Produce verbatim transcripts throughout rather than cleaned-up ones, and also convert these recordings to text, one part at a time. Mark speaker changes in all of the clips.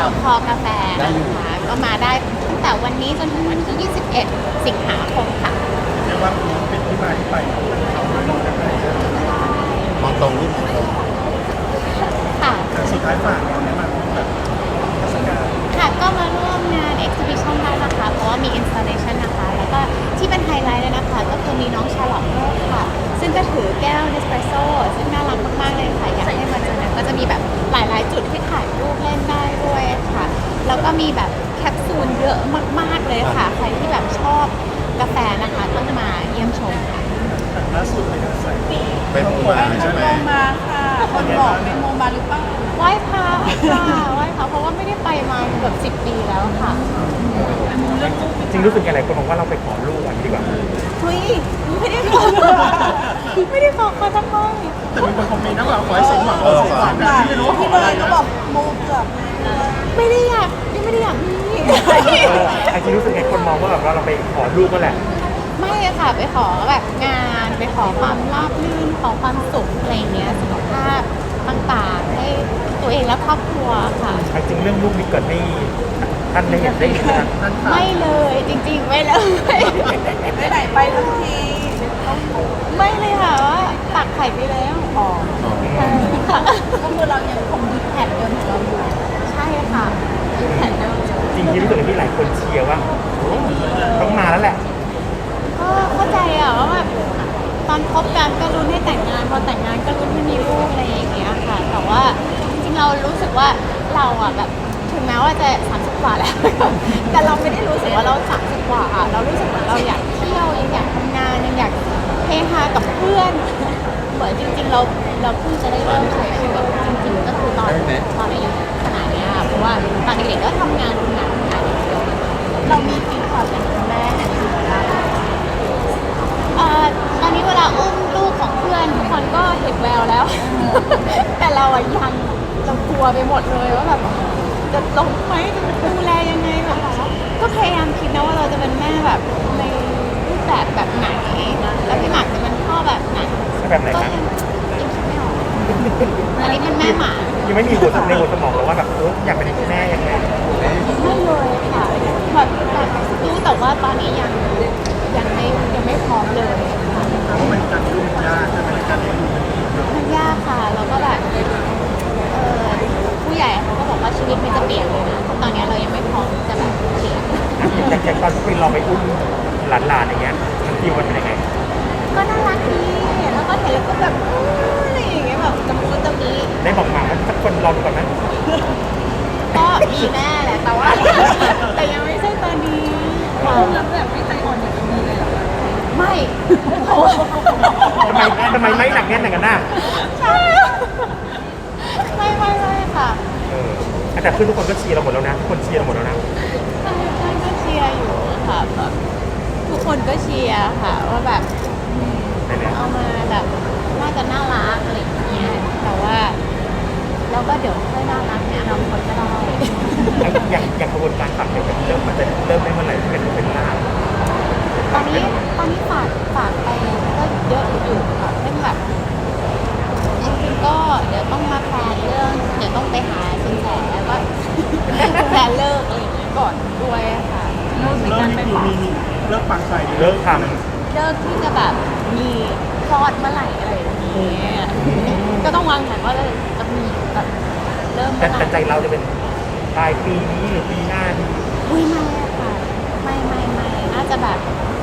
Speaker 1: าวคอกาแฟนะคะก็มาได้ตั้งแต่วันนี้จนถึงวันที่ ยี่สิบเอ็ด สิงหาคมค่ะ
Speaker 2: เรียกว่าเป็นที่มาที่ไปของเขาด้วยเนาะได้ไหม
Speaker 3: มองตรงนี่มองตรง
Speaker 1: ค่ะ
Speaker 2: แต่สุดท้ายฝากเราเนี่ยมาแบบเทศกาล
Speaker 1: ค่ะก็มาร่วมงาน exhibition ได้นะคะ เพราะว่ามี installation นะคะ แล้วก็ที่เป็นไฮไลท์เลยนะคะ ก็คือมีน้องชาร์ลอตด้วยค่ะ ซึ่งก็ถือแก้ว Nespresso ซึ่งน่ารักมากๆเลยค่ะ อยากให้มาเจอนะก็จะมีแบบหลายๆจุดที่ถ่ายรูปเล่นได้ด้วยค่ะ แล้วก็มีแบบแคปซูลเยอะมากๆเลยค่ะ ใครที่แบบชอบกาแฟนะคะต้องมาเยี่ยมชมค่ะ
Speaker 2: ล่าสุดเป็นการใส่
Speaker 3: ไปมูมาใช่ไหม
Speaker 4: โมมาค่ะ คนบอกเป็นโมมาหรือเปล่า
Speaker 1: ไหว้พระค่ะไหว้พระเพราะว่าไม่ได้ไปมาเกือบสิบปีแล้วค่ะ
Speaker 5: จริงรู้สึกยังไงคนบอกว่าเราไปขอลูกอันนี้ดีกว่า
Speaker 1: เฮ้ยไม่ได้ขอไม่ได้ขอเขาทำไม
Speaker 2: แต่มีคนคอมเมนต์นะว่าขอให้สมหวังขอให้สมหวังกันไม่รู้ว่าขอ
Speaker 4: พี่
Speaker 2: อะ
Speaker 4: เน
Speaker 2: ไร
Speaker 4: ยก็
Speaker 2: นะ
Speaker 4: บอกโมเกือบ
Speaker 1: ไม่ได้อยากยังไม่ได้อยากมี
Speaker 5: เออจริงรู้สึกไงคนมองว่าแบบว่าเราไปขอลูกก็แหละ
Speaker 1: ไม่อะค่ะไปขอแบบงานไปขอความราบรื่นขอความสุขอะไรอย่างเงี้ยสุขภาพต่างๆให้ตัวเองและครอบครัวค่ะ
Speaker 5: จริงเรื่องลูกนี่เกิดให้ท่านได้เห็นได้เห็นนะ
Speaker 2: ท่านค่ะ
Speaker 1: ไม่เลยจริงๆไม่เลย
Speaker 4: ไปไหนไปทั้งที
Speaker 1: ไม่เลยค่ะว่าตักไข่ไปแล้วอ๋อค่ะ
Speaker 4: ก็คือเรายังคงยึดแผนเดิมของเราอยู่
Speaker 1: ใช่ค่ะแผ่นเดิม
Speaker 5: จริงที่รู้สึกที่หลายคนเชียร์ว่าโอ้ต้องมาแล้วแหละ
Speaker 1: ก็เข้าใจอะว่าแบบตอนคบกันก็รุ้นให้แต่งงานพอแต่งงานก็รุ้นให้มีลูกอะไรอย่างเงี้ยค่ะ แต่ว่าจริงๆเรารู้สึกว่าเราอะแบบถึงแม้ว่าจะสามสิบกว่าแล้ว แต่เราไม่ได้รู้สึกว่าเราสามสิบกว่าอะเรารู้สึกว่าเราอยากเที่ยวยังอยากทำงานยังอยากเฮฮากับเพื่อน เหมือนจริงๆเราเราเพิ่งจะได้เริ่มใช้ชีวิตจริงๆก็คือตอนตอนอายุขนาดเนี้ยเพราะว่าตอนเด็กๆก็ทำงานทำงานทำงานอย่างเดียวเรามีฟีลความเป็นคุณแม่อยู่แล้วเอ่อตอนนี้เวลาอุ้มลูกของเพื่อนทุกคนก็เห็นแววแล้ว แต่เราอะยังเรากลัวไปหมดเลยว่าแบบจะลงไหมจะดูแลยังไงแบบก็พยายามคิดนะว่าเราจะเป็นแม่แบบในรูปแบบแบบไหนแล้วพี่หมากจะเป็นพ่อแบบไหน
Speaker 5: แบบไหน
Speaker 1: ก็
Speaker 5: ครับ
Speaker 1: ยังยังคิดไม่ออกอันนี้เป็นแม่หมา
Speaker 5: ยังไม่มีหัวในหัวสมองหรอกว่าแบบเอออยากเป็นแม่ยังไง
Speaker 1: ไม่เลยค่ะแบบแบบรู้แต่ว่าตอนนี้ยังยังไม่ยังไม่พร้อมเลยค่ะ
Speaker 2: เพราะมันการยุ่งยากใช่ไหมการเลี้ยงดู
Speaker 1: มันยากค่ะแล้วก็แบบเออผู้ใหญ่เขาก็บอกว่าชีวิตมันจะเปลี่ยนเลยนะเพราะตอนนี้เรายังไม่พร้อมที่จะแบบเปลี่ยน
Speaker 5: อย่างอย่างตอนที่ไปลองไปอุ้มหลานๆอย่างเงี้ยมันฟีลมันเป็นยังไง
Speaker 1: ก็น่ารักดีแล้วก็เห็นแล้วก็แบบอื้ออะไรอย่างเงี้ยแบบจำคนจำนี้
Speaker 5: ได้บอกมาว่าสักคนลองดูก่อนไหม
Speaker 1: ก็มีแน่แหละแต่ว่า แต่ยังไม่ใช่ตอนนี้ค่ะ
Speaker 4: แล้วแบบไม่ใจอ่อนอย่างนี้เลยเหรอ
Speaker 1: ไม่
Speaker 5: ทำไมทำไมไม่หนักแน่นอย่างนั้นน่ะ
Speaker 1: ใช่ไม่ไม่ไม่ค่ะ
Speaker 5: เออแต่คือทุกคนก็เชียร์เราหมดแล้วนะทุกคนเชียร์เราหมดแล้วนะ
Speaker 1: ใช่ใช่ก็เชียร์อยู่ค่ะแบบทุกคนก็เชียร์ค่ะว่าแบบ
Speaker 5: ไหน
Speaker 1: เอามาแบบน่าจะน่ารักอะไรอย่างเงี้ยแต่ว่าเราก็เดี๋ยวค่อยน่ารักในอนาคตก็ได้
Speaker 5: ๆแล้วอย่างอย่างกระบวนการฝากเด็กมันเริ่มมันจะเริ่มได้เมื่อไหร่เป็นเป็นล้าน
Speaker 1: ตอนนี้ตอนนี้ฝากฝากไปก็เยอะอยู่ค่ะเช่นแบบจริงๆก็เดี๋ยวต้องมาแพลนเรื่องเดี๋ยวต้องไปหาสินแสว่า แพลนเลิกอะไรอย่างเงี้ยก่อนด้วยค่ะ
Speaker 4: เริ่มมี
Speaker 2: เริ่
Speaker 4: กาม รไป
Speaker 2: นี่คือ
Speaker 4: ฝาก
Speaker 2: มีเลิกปักไฟ
Speaker 5: เลิกท
Speaker 1: เลิกที่จะแบบมีคลอดเมื่อไหร่อะไรอย่างเงี้ยก็ต้องวางแผนว่าเราจะมีแบบเริ่ม
Speaker 5: ำแต่
Speaker 1: เมื่อไห
Speaker 5: แต่
Speaker 1: ร่
Speaker 5: ใจเราจะเป็นปลายปีนี้หรือปีหน้าดี
Speaker 1: อุ้ยไม่อะค่ะไม่ไม่ไม่น่าจะแบบ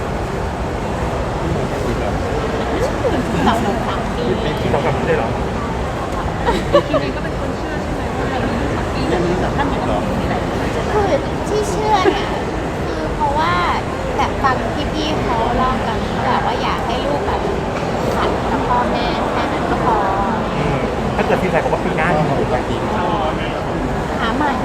Speaker 1: สองถึงสามปี
Speaker 5: ที่สองสามปีได้หรอ
Speaker 4: ทีนี้ก็เป็นคนเชื่อใช่ไหมว่าเราไม่สักปีอย่างนี้แต่ถ้ามีแบบนี้แหละ
Speaker 1: คือที่เชื่อเนี่ยคือเพราะว่าแบบฟังพี่ๆเขาเล่ากันแบบว่าอยากให้ลูกแบบขัดกับพ่อแม่แค่นั้นก็พอ
Speaker 5: อืมถ้าเกิดที่ไหนบอกว่าปีหน้าดี
Speaker 1: หาใหม่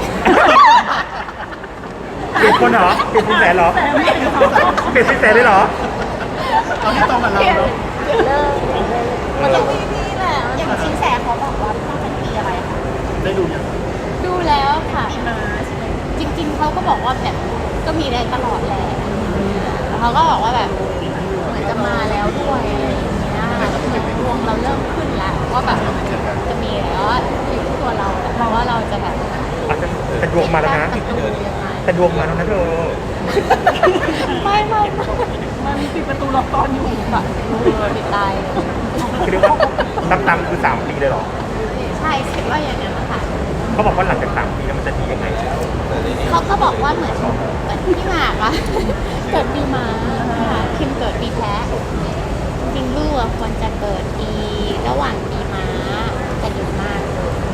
Speaker 5: เปลี่ยนคนเหรอเปลี่ยนสินแสเหรอเปลี่ยนสินแสได้เหรอ
Speaker 2: เอาที่ตรงกับเราเนาะ
Speaker 1: เลิกมันต้องมีพี่แหละอย่างชินแสเขาบอกว่าน่าจะปีอะไรคะ
Speaker 2: ได้ดูอย่าง
Speaker 1: ดูแล้วค่ะจริงๆเขาก็บอกว่าแบบก็มีได้ตลอดแหละแล้วเขาก็บอกว่าแบบเหมือนจะมาแล้วด้วยอะไรอย่างเงี้ยดวงเราเริ่มขึ้นแล้วว่าแบบจะมีแล้วอยู่ที่ตัวเราแหละเพราะว่าเราจะแบบ
Speaker 5: อาจจะแต่ดวงมาแล้วนะ แต่ดวงมาแล้วนะเธอ
Speaker 1: ไม่ไม่ไม่
Speaker 4: มันมีปิดประตูล็อกตอนอยู่
Speaker 1: แบบปิดตาย
Speaker 5: คือเรียกว่าตำๆคือสามปีเลยเหรอ
Speaker 1: ใช่คิดว่าอย่างนั้นนะคะ
Speaker 5: เขาบอกว่าหลังจากสามปีแล้วมันจะดียังไง
Speaker 1: เขาก็บอกว่าเหมือนเหมือนพี่หมากอะ เกิดปีม้าค่ะคิมเกิดปีแพะจริงๆลูกอะควรจะเกิดปีระหว่างปีม้าแต่อยู่มาก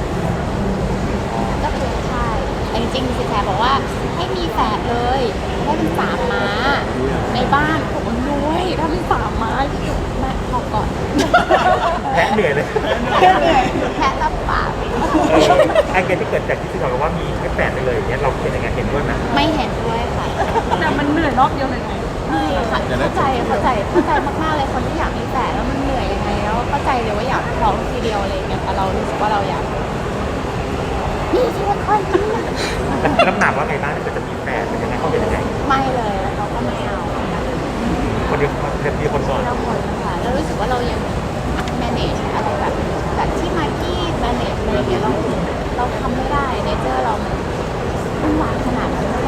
Speaker 1: ก็คือใช่แต่จริงๆสิแพรบอกว่าให้มีแฝดเลยให้เป็นสามม้าในบ้านผมรวยถ้าเป็นสามม้าอยู่แม่พอก่อน
Speaker 5: แพ้เหนื่อยเลย
Speaker 1: แพ้รับปาก
Speaker 5: เออไอเกณฑ์ที่เกิดจากที่เขาบอกว่ามีแค่แปดไปเลยอย่างเงี้ยเราเป็นยังไงเห็นด้วยไหม
Speaker 1: ไม่เห็นด้วยค่ะ
Speaker 4: แต่มันเหนื่อยรอบเดียวเลยไง
Speaker 1: ไม่ค่ะเข้าใจเข้าใจเข้าใจมากๆเลยคนที่อยากมีแฝดแล้วมันเหนื่อยยังไงแล้วเข้าใจเลยว่าอยากท้องทีเดียวอะไรอย่างเงี้ยแต่เรารู้สึกว่าเราอยากมีทีละคนนี่
Speaker 5: แล้วน้ำหนักว่าไงบ้างถ้าเกิดจะมีแฟนเป็นยังไงเขาเป็นยังไง
Speaker 1: ไม่เลยเขาก็ไม่เอา
Speaker 5: คนเดียวคนเดียวคนก่อน
Speaker 1: เราคนค่ะแล้วรู้สึกว่าเรายัง manage อะไรแบบแบบที่มาที่ manage อะไรอย่างเงี้ยเราเราทำไม่ได้เนเจอร์เรามันวุ่นวายขนาดนั้นไม่ได้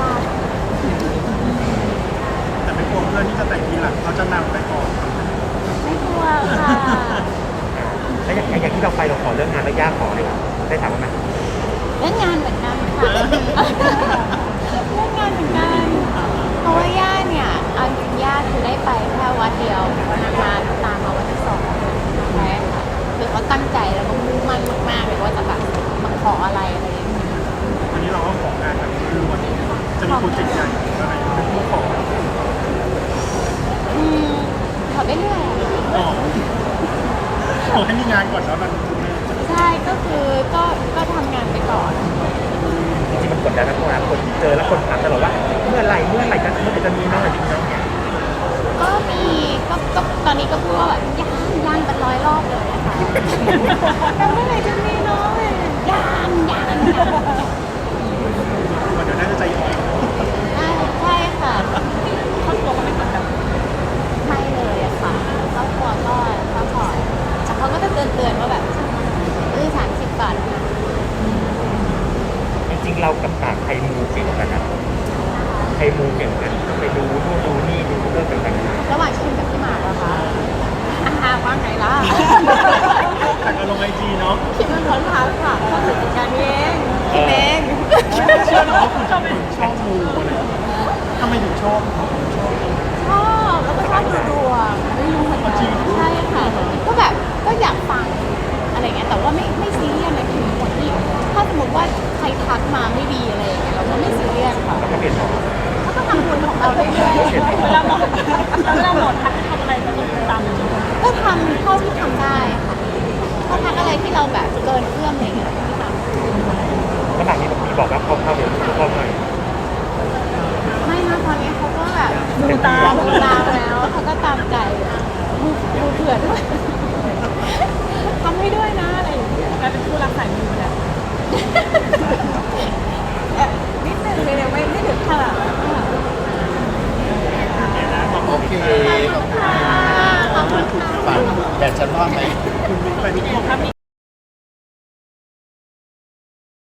Speaker 2: แต่ไม่กลัวเพื่อนที่จะแต่งทีหลังเขาจะนำไปก่อน
Speaker 1: ไม่กลัวค่ะ
Speaker 5: แล้วอย่างอย่างที่เราไปเราขอเรื่องงานแล้วย่าขอเลยได้ถามว่าไหม
Speaker 1: เล่นงานเหมือนกันค่ะ เล่นงานเหมือนกัน เพราะว่าย่าเนี่ยเอาจริงย่าคือได้ไปแค่วัดเดียววันนั้นมาตามมาวันที่สองใช่ค่ะคือเขาตั้งใจแล้วก็มุ่งมั่นมากๆเลยว่าจะแบบมาขออะไรอะไรอย่างเงี้ย
Speaker 2: วันนี้เราก็ของานกันคือวันนี้จะมีโปรเจกต์ใหญ่อะไรเป็นผู้ขอ
Speaker 1: อืมขอได้เรื่อยๆอะ
Speaker 2: อ๋อขอให้มีงานก่อนแล้วมัน
Speaker 1: ใช่ก็คือก็ก็ทำงานไปก่อน
Speaker 5: จริงๆมันกดดันนะเพราะว่าคนเจอแล้วคนถามตลอดว่าเมื่อไหร่เมื่อไหร่จะเมื่อไหร่จะมีน้องอะไรจริงน้องเนี่ย
Speaker 1: ก็มีก็ก็ตอนนี้ก็พูดว่าแบบย่างย่างเป็นร้อยรอบเลยนะคะ แล้วเมื่อไหร่จะมีน้องอ่ะย่างย่างย่าง
Speaker 2: มันเดี๋ยวน่าจะใจอ่อน
Speaker 1: อ่าใช่ค่ะ
Speaker 4: ครอบครัวก็ไม่กดดัน
Speaker 1: ไม่เลยอะค่ะครอบครัวก็ซัพพอร์ตแต่เขาก็จะเตือนเตือนๆว่าแบบเออสามสิบบาทนะ
Speaker 5: จริงๆเรากับต่างไทยมูเก่งกันนะไทยมูเก่งกันไปดูนู่นดูนี่ดูเรื่องต่างๆ
Speaker 1: ระหว่างคิมกับพี่หมากเหรอคะอาว่าไงล่ะ
Speaker 2: แต่ก็ลงไอจีเนาะ
Speaker 1: คิมเป็นคนพาค่ะเขาจัดการเองคิมเอง
Speaker 2: ไม่เชื่อหรอว่าคุณชอบชอบมูอะไรทำไมถึงชอบชอบ
Speaker 1: ชอบแล้วก็ชอบดูดวงไม่รู้เหมือนกันใช่ค่ะก็แบบก็อยากฟังอะไรเงี้ยแต่ว่าไม่ไม่ซีเรียสนะคือคนที่ถ้าสมมติว่าใครทักมาไม่ดีอะไรอย่างเงี้ยเราก็ไม่ซีเรียสค่ะ
Speaker 5: แล้วก็เปลี่ยนหมอ
Speaker 1: เขาก็ทำบุญของเราเรื่อย
Speaker 4: เวลาหมดเวลาหมดทักทำอะไรก็ต้องตาม
Speaker 1: ๆก็ทำเท่าที่ทำได้ค่ะถ้าทักอะไรที่เราแบบเกินเอื้อมอะไรเงี้ยเราไม่ทำ
Speaker 5: แล้วหลังนี้มีบอกว่าเขาเข้าเดี๋ยวเข้าหน่อย
Speaker 1: ไม่นะตอนนี้เขาก็แบบดูตามดูตามแล้วเขาก็ตามใจดูดูเผื่อด้วย ทำให้ด้วยนะอะไรอย่างเงี้ย
Speaker 4: กลายเป็นคู่รักสายมูแล้ว
Speaker 1: แอบนิดนึงเลยเนี่ยไม่ไม่ถึงขนาดนั้นค่ะ
Speaker 3: โอเค
Speaker 1: ขอบคุณค่ะขอบคุณค่ะ
Speaker 3: ฝันแบตฉันรอดไหม
Speaker 2: คุณไปทุกที่